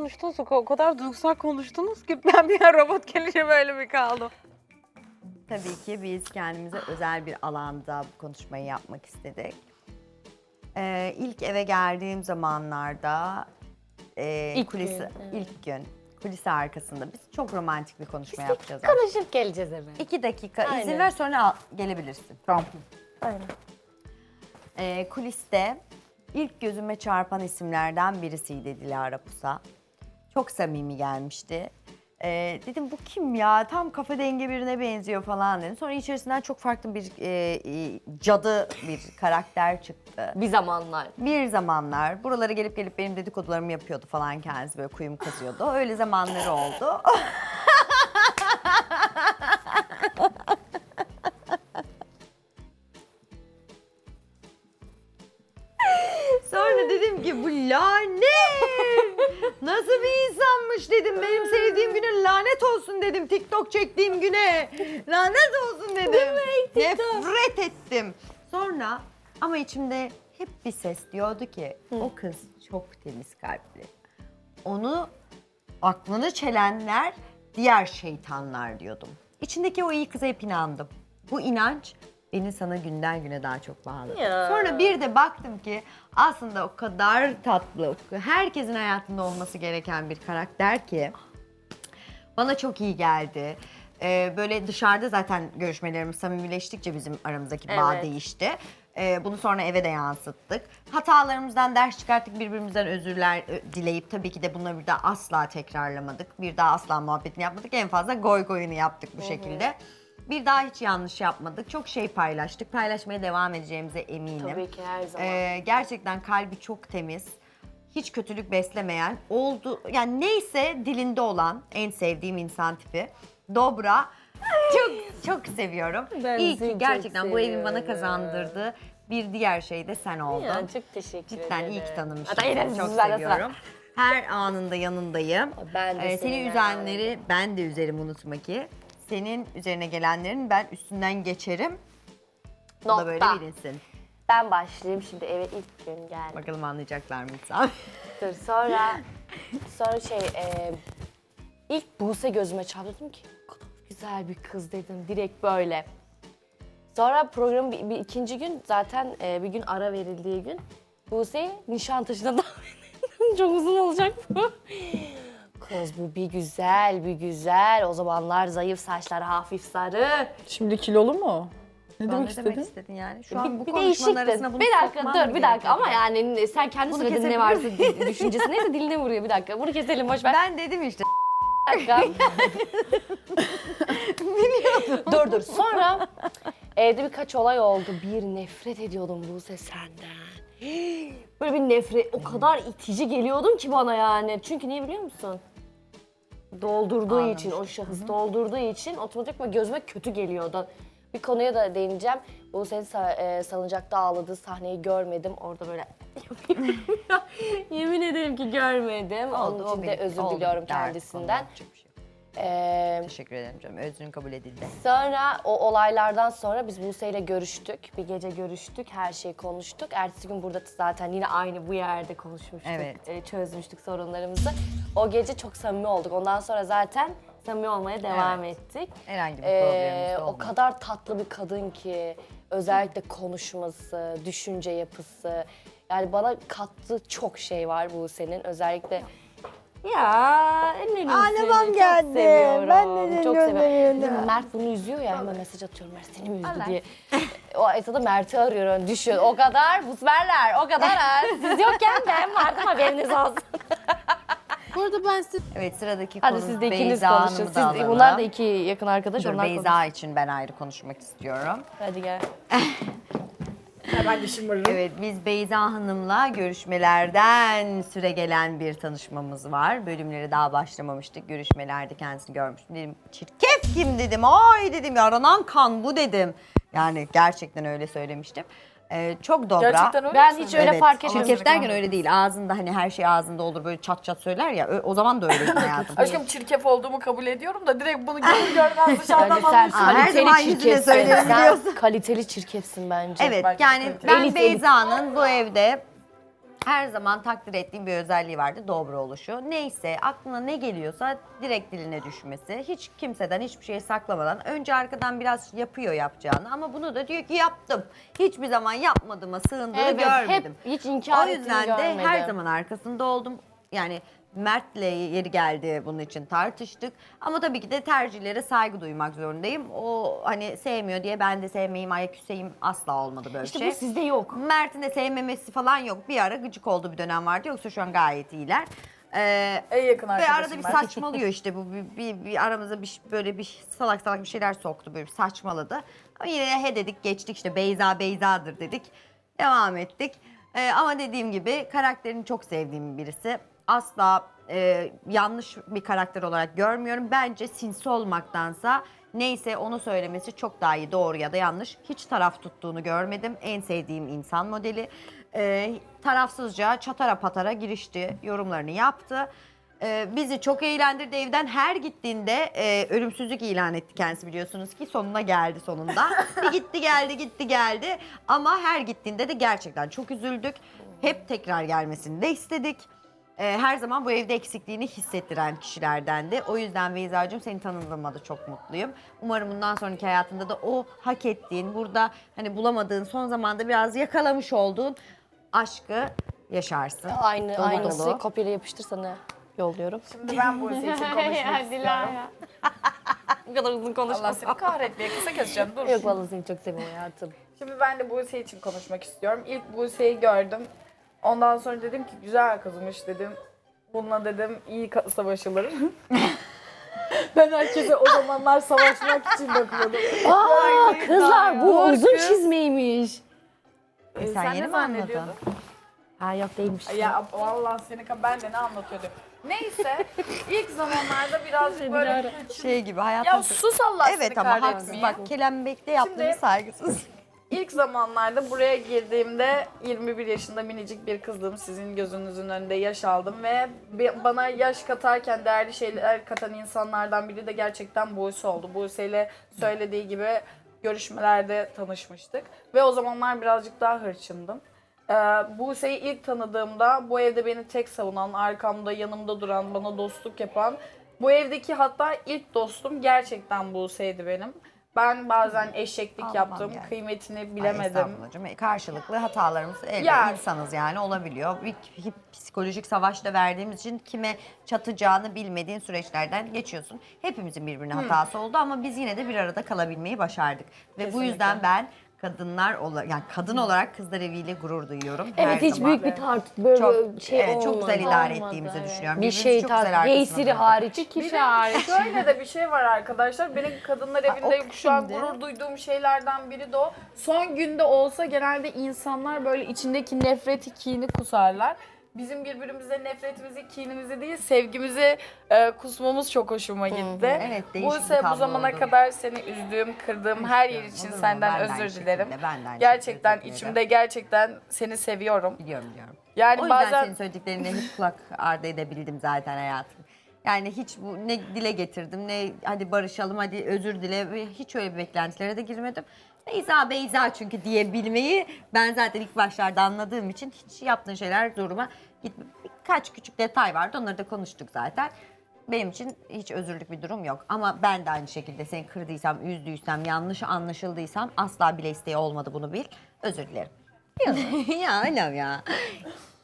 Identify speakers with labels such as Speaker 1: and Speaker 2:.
Speaker 1: konuştunuz, o kadar duygusal konuştunuz ki ben bir an robot gelince böyle bir kaldım.
Speaker 2: Tabii ki biz kendimize özel bir alanda bu konuşmayı yapmak istedik. İlk eve geldiğim zamanlarda ilk gün kulisi arkasında biz çok romantik bir konuşma yapacağız.
Speaker 3: Konuşup geleceğiz eve.
Speaker 2: 2 dakika izin
Speaker 3: Aynen.
Speaker 2: ver sonra gelebilirsin.
Speaker 1: Tamam.
Speaker 3: Aynen.
Speaker 2: Kuliste ilk gözüme çarpan isimlerden birisiydi Dilara Pusa. Çok samimi gelmişti. Dedim bu kim ya? Tam kafa denge birine benziyor falan dedim. Sonra içerisinden çok farklı bir cadı bir karakter çıktı.
Speaker 3: Bir zamanlar.
Speaker 2: Bir zamanlar buralara gelip benim dedikodularımı yapıyordu falan kendisi böyle kuyum kazıyordu. Öyle zamanları oldu. Sonra dedim ki bu lanet nasıl bir insanmış dedim. Benim sevdiğim güne lanet olsun dedim. TikTok çektiğim güne lanet olsun dedim. Nefret ettim. Sonra ama içimde hep bir ses diyordu ki o kız çok temiz kalpli. Onu aklını çelenler diğer şeytanlar diyordum. İçindeki o iyi kıza hep inandım. Bu inanç beni sana günden güne daha çok bağladı.
Speaker 3: Ya.
Speaker 2: Sonra bir de baktım ki aslında o kadar tatlı, herkesin hayatında olması gereken bir karakter ki bana çok iyi geldi. Böyle dışarıda zaten görüşmelerimiz samimileştikçe bizim aramızdaki bağ
Speaker 3: Evet.
Speaker 2: değişti. Bunu sonra eve de yansıttık. Hatalarımızdan ders çıkarttık, birbirimizden özürler dileyip tabii ki de bunları bir daha asla tekrarlamadık. Bir daha asla muhabbetini yapmadık. En fazla goy goyunu yaptık bu şekilde. Bir daha hiç yanlış yapmadık. Çok şey paylaştık. Paylaşmaya devam edeceğimize eminim.
Speaker 3: Tabii ki her zaman.
Speaker 2: Gerçekten kalbi çok temiz. Hiç kötülük beslemeyen, oldu yani neyse dilinde olan en sevdiğim insan tipi. Dobra. Çok seviyorum.
Speaker 3: Ben
Speaker 2: İyi
Speaker 3: seni
Speaker 2: ki
Speaker 3: çok
Speaker 2: gerçekten bu evin bana
Speaker 3: seviyorum.
Speaker 2: kazandırdığı bir diğer şey de sen oldun.
Speaker 3: Ya, çok teşekkür ederim.
Speaker 2: Cidden iyi ki tanımışım.
Speaker 3: Hatta yine
Speaker 2: Çok
Speaker 3: sizlerle
Speaker 2: seviyorum. Her anında yanındayım.
Speaker 3: Ben de
Speaker 2: Seni
Speaker 3: seninle
Speaker 2: üzenleri ben de üzerim unutma ki. Senin üzerine gelenlerin ben üstünden geçerim. Bu da
Speaker 3: Nokta.
Speaker 2: böyle bilinsin.
Speaker 3: Ben başlayayım şimdi eve ilk gün geldim.
Speaker 2: Bakalım anlayacaklar mı insan?
Speaker 3: Dur sonra ilk Buse gözüme çarptı, dedim ki o kadar güzel bir kız dedim direkt böyle. Sonra programın bir ikinci gün zaten bir gün ara verildiği gün Buse'yi Nişantaşı'na davet ettim. Çok uzun olacak bu. Kız bu bir güzel. O zamanlar zayıf, saçları hafif sarı.
Speaker 4: Şimdi kilolu mu? Ne
Speaker 2: Ne
Speaker 4: demek
Speaker 2: demek
Speaker 4: istedin?
Speaker 2: istedin yani? Şu an bu
Speaker 3: Bir
Speaker 2: konuşmanın
Speaker 3: değişikti.
Speaker 2: arasına bunu
Speaker 3: Bir dakika
Speaker 2: sokman
Speaker 3: dur
Speaker 2: mı
Speaker 3: bir dakika
Speaker 2: gerekiyor?
Speaker 3: ama yani sen kendi
Speaker 2: Bunu
Speaker 3: söylediğin ne
Speaker 2: kesebilir
Speaker 3: varsa düşüncesi neyse diline vuruyor bir dakika. Bunu keselim boş ver.
Speaker 2: Ben dedim işte.
Speaker 3: Bir dakika. Dur. Sonra evde birkaç olay oldu. Bir nefret ediyordum Buse senden. Böyle bir nefret, o kadar itici geliyordun ki bana yani. Çünkü niye biliyor musun? Doldurduğu için, o şahıs doldurduğu için otomatikman gözüme kötü geliyordu. Bir konuya da değineceğim. Buse'nin salıncakta ağladığı sahneyi görmedim. Orada böyle yemin ederim ki görmedim. Onun için de özür diliyorum kendisinden.
Speaker 2: Teşekkür ederim canım. Özrün kabul edildi.
Speaker 3: Sonra o olaylardan sonra biz Buse'yle görüştük. Bir gece görüştük, her şeyi konuştuk. Ertesi gün burada zaten yine aynı bu yerde konuşmuştuk.
Speaker 2: Evet.
Speaker 3: Çözmüştük sorunlarımızı. O gece çok samimi olduk. Ondan sonra zaten samimi olmaya devam ettik.
Speaker 2: Herhangi bir problemimiz de
Speaker 3: O
Speaker 2: olmadı.
Speaker 3: kadar tatlı bir kadın ki özellikle konuşması, düşünce yapısı. Yani bana kattığı çok şey var Buse'nin. Özellikle ya ellerim
Speaker 2: Ağlamam
Speaker 3: seni
Speaker 2: geldi.
Speaker 3: çok seviyorum.
Speaker 2: Ben de seni
Speaker 3: çok seviyorum.
Speaker 2: gönderiyorum.
Speaker 3: Değil mi? Mert bunu üzüyor ya hemen mesaj atıyorum Mert seni mi üzdü diye. O esnada Mert'i arıyor yani düşüyor. O kadar busberler o kadar ha. Siz yokken ben vardım haberiniz olsun.
Speaker 4: Bu arada ben size
Speaker 2: Evet sıradaki
Speaker 3: Hadi
Speaker 2: konu
Speaker 3: siz de ikiniz
Speaker 2: Beyza
Speaker 3: konuşun.
Speaker 2: Hanım'ı da alalım.
Speaker 3: Bunlar da iki yakın arkadaş.
Speaker 2: Dur
Speaker 3: onlar
Speaker 2: Beyza için ben ayrı konuşmak istiyorum.
Speaker 3: Hadi gel.
Speaker 4: ben de şımarırım.
Speaker 2: Evet biz Beyza Hanım'la görüşmelerden süre gelen bir tanışmamız var. Bölümleri daha başlamamıştık. Görüşmelerde kendisini görmüştüm. Dedim çirkef kim dedim. Ay dedim ya aranan kan bu dedim. Yani gerçekten öyle söylemiştim. Çok dobra.
Speaker 4: Gerçekten öyle
Speaker 3: Ben
Speaker 4: mi?
Speaker 3: hiç öyle
Speaker 2: Evet,
Speaker 3: fark etmedim.
Speaker 2: Çirkef derken öyle değil. Ağzında hani her şey ağzında olur böyle çat çat söyler ya. O zaman da öyleydi hayatım.
Speaker 4: Aşkım çirkef olduğumu kabul ediyorum da direkt bunu görür görmez dışarıdan
Speaker 3: Bence sen
Speaker 4: anlaşılıyor.
Speaker 2: her zaman
Speaker 3: kaliteli
Speaker 2: yüzüne
Speaker 3: çirkefsin.
Speaker 2: söylerim
Speaker 3: Sen
Speaker 2: biliyorsun.
Speaker 3: kaliteli çirkefsin bence.
Speaker 2: Evet
Speaker 4: Bence
Speaker 2: yani
Speaker 4: kaliteli.
Speaker 2: ben
Speaker 3: Elit,
Speaker 2: Beyza'nın bu evde Her zaman takdir ettiğim bir özelliği vardı, dobra oluşu. Neyse, aklına ne geliyorsa direkt diline düşmesi. Hiç kimseden hiçbir şey saklamadan. Önce arkadan biraz yapıyor yapacağını ama bunu da diyor ki yaptım. Hiçbir zaman yapmadığıma sığındığını
Speaker 3: Evet,
Speaker 2: görmedim.
Speaker 3: hep hiç inkar
Speaker 2: O yüzden
Speaker 3: ettiğini
Speaker 2: de
Speaker 3: görmedim.
Speaker 2: her zaman arkasında oldum. Yani Mert'le yeri geldi bunun için tartıştık. Ama tabii ki de tercihlere saygı duymak zorundayım. O hani sevmiyor diye ben de sevmeyeyim, ayaküseyim asla olmadı böyle
Speaker 3: İşte
Speaker 2: şey.
Speaker 3: bu sizde yok.
Speaker 2: Mert'in de sevmemesi falan yok. Bir ara gıcık olduğu bir dönem vardı. Yoksa şu an gayet iyiler.
Speaker 4: En yakın
Speaker 2: Ve
Speaker 4: arkadaşım
Speaker 2: arada bir
Speaker 4: ben.
Speaker 2: saçmalıyor işte bu bir aramıza böyle bir salak salak bir şeyler soktu, böyle bir saçmaladı. Ama yine he dedik, geçtik, işte Beyza Beyza'dır dedik. Devam ettik. Ama dediğim gibi karakterini çok sevdiğim birisi. Asla yanlış bir karakter olarak görmüyorum. Bence sinsi olmaktansa neyse onu söylemesi çok daha iyi, doğru ya da yanlış. Hiç taraf tuttuğunu görmedim. En sevdiğim insan modeli. Tarafsızca çatara patara girişti, yorumlarını yaptı. Bizi çok eğlendirdi. Evden her gittiğinde ölümsüzlük ilan etti kendisi, biliyorsunuz ki sonuna geldi sonunda. Bir gitti geldi gitti geldi ama her gittiğinde de gerçekten çok üzüldük. Hep tekrar gelmesini de istedik. Her zaman bu evde eksikliğini hissettiren kişilerdendi. O yüzden Beyza'cığım, seni tanıdığıma da çok mutluyum. Umarım bundan sonraki hayatında da o hak ettiğin, burada hani bulamadığın, son zamanda biraz yakalamış olduğun aşkı yaşarsın.
Speaker 3: Aynı,
Speaker 2: Dolu
Speaker 3: aynısı
Speaker 2: dolu.
Speaker 3: kopyayla yapıştır sana yolluyorum.
Speaker 4: Şimdi ben bu için konuşmak istiyorum.
Speaker 3: Bu kadar uzun
Speaker 4: Allah seni kahretmeye, kısa keseceğim, dur.
Speaker 3: Yok vallahi seni çok seviyorum hayatım.
Speaker 4: Şimdi ben de Buse için konuşmak istiyorum. İlk Buse'yi gördüm. Ondan sonra dedim ki güzel kızmış dedim. Bununla dedim iyi savaşılır. Ben herkese o zamanlar savaşmak için bakıyordum.
Speaker 3: Aa kızlar bu uzun çizmeymiş.
Speaker 2: Sen yeni mi
Speaker 4: zannediyordun?
Speaker 3: Ha yok değilmiş.
Speaker 4: Ya vallahi ben de ne anlatıyordum. Neyse ilk zamanlarda birazcık böyle
Speaker 2: Şey gibi hayatım.
Speaker 4: ya sus Allah seni
Speaker 2: Evet ama haksız,
Speaker 4: kahretmeye.
Speaker 2: bak kelembekte yaptığınız
Speaker 4: Şimdi-
Speaker 2: saygısız.
Speaker 4: İlk zamanlarda buraya girdiğimde 21 yaşında minicik bir kızdım. Sizin gözünüzün önünde yaş aldım ve bana yaş katarken değerli şeyler katan insanlardan biri de gerçekten Buse oldu. Buse ile söylediği gibi görüşmelerde tanışmıştık ve o zamanlar birazcık daha hırçındım. Buse'yi ilk tanıdığımda bu evde beni tek savunan, arkamda yanımda duran, bana dostluk yapan, bu evdeki hatta ilk dostum gerçekten Buse'ydi benim. Ben bazen eşeklik
Speaker 2: Anlamam
Speaker 4: yaptım,
Speaker 2: yani.
Speaker 4: kıymetini
Speaker 2: Ay,
Speaker 4: bilemedim.
Speaker 2: estağfurullahcığım. Karşılıklı hatalarımız elbette
Speaker 4: Ya.
Speaker 2: insanız yani, olabiliyor. Bir psikolojik savaşta verdiğimiz için kime çatacağını bilmediğin süreçlerden geçiyorsun. Hepimizin birbirine hatası oldu ama biz yine de bir arada kalabilmeyi başardık. Ve bu
Speaker 4: Kesinlikle.
Speaker 2: yüzden ben yani kadın olarak Kızlar Evi'yle gurur duyuyorum.
Speaker 3: Evet
Speaker 2: her
Speaker 3: hiç
Speaker 2: zaman.
Speaker 3: büyük bir böyle
Speaker 2: çok,
Speaker 3: şey
Speaker 2: evet,
Speaker 3: olmadı.
Speaker 2: çok güzel idare
Speaker 3: Olmadı,
Speaker 2: ettiğimizi
Speaker 3: evet.
Speaker 2: düşünüyorum.
Speaker 3: Bir
Speaker 2: Birbirimizi
Speaker 3: şey
Speaker 2: çok güzel
Speaker 3: tar
Speaker 2: arkasında
Speaker 3: Yeysiri
Speaker 2: durduk.
Speaker 3: hariç.
Speaker 4: Bir de şöyle de bir şey var arkadaşlar. Benim kadınlar evinde
Speaker 2: o
Speaker 4: şu an
Speaker 2: kimdi?
Speaker 4: gurur duyduğum şeylerden biri de o. Son günde olsa genelde insanlar böyle içindeki nefreti, kini kusarlar. Bizim birbirimize nefretimizi, kinimizi değil, sevgimizi kusmamız çok hoşuma gitti.
Speaker 2: Evet, değişik bir
Speaker 4: Buse, bu
Speaker 2: tablo
Speaker 4: zamana
Speaker 2: oldu.
Speaker 4: kadar seni üzdüğüm, kırdığım her yer için
Speaker 2: Olur mu?
Speaker 4: senden
Speaker 2: Ben de aynı
Speaker 4: özür dilerim.
Speaker 2: şekilde, ben de aynı
Speaker 4: Gerçekten
Speaker 2: şekilde, özür
Speaker 4: içimde gerçekten seni seviyorum.
Speaker 2: Biliyorum.
Speaker 4: Yani
Speaker 2: O yüzden
Speaker 4: bazen
Speaker 2: senin söylediklerine hiç kulak ardı edebildim zaten hayatım. Yani hiç bu ne dile getirdim, ne hadi barışalım, hadi özür dile, ve hiç öyle bir beklentilere de girmedim. Beyza çünkü diyebilmeyi ben zaten ilk başlarda anladığım için hiç yaptığın şeyler zoruma gitme. Birkaç küçük detay vardı, onları da konuştuk zaten. Benim için hiç özürlük bir durum yok. Ama ben de aynı şekilde seni kırdıysam, üzdüysem, yanlış anlaşıldıysam asla bile isteği olmadı, bunu bil. Özür dilerim. Ya anam ya.